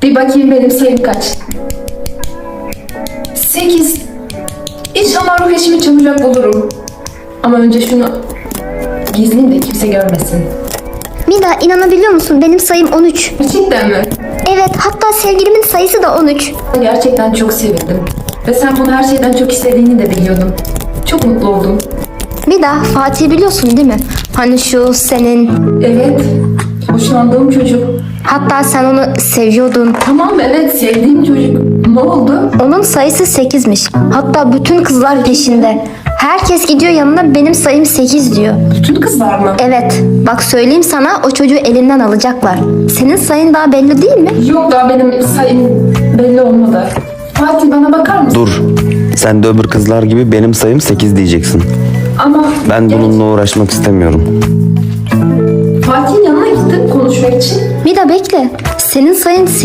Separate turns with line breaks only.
Bir bakayım benim sayım kaç? 8. İnşallah ruh eşimi çabucak bulurum. Ama önce şunu gizleyeyim de kimse görmesin.
Mida, inanabiliyor musun? Benim sayım 13.
Gerçekten mi?
Evet, hatta sevgilimin sayısı da 13.
Gerçekten çok sevindim. Ve sen bunu her şeyden çok istediğini de biliyordum. Çok mutlu oldum.
Mida, Fatih'i biliyorsun değil mi? Hani şu senin...
Evet. Hoşlandığım çocuk.
Hatta sen onu seviyordun.
Tamam, evet, sevdiğim çocuk. Ne oldu?
Onun sayısı 8'miş. Hatta bütün kızlar peşinde. Herkes gidiyor yanına, benim sayım 8 diyor.
Bütün kızlar mı?
Evet, bak söyleyeyim sana, o çocuğu elinden alacaklar. Senin sayın daha belli değil mi?
Yok, daha benim sayım belli olmadı. Fatih, bana bakar mısın?
Dur. Sen de öbür kızlar gibi benim sayım 8 diyeceksin.
Ama
Ben bununla uğraşmak istemiyorum.
Fatih'in yanına gittim konuşmak için.
Mida bekle. Senin sayın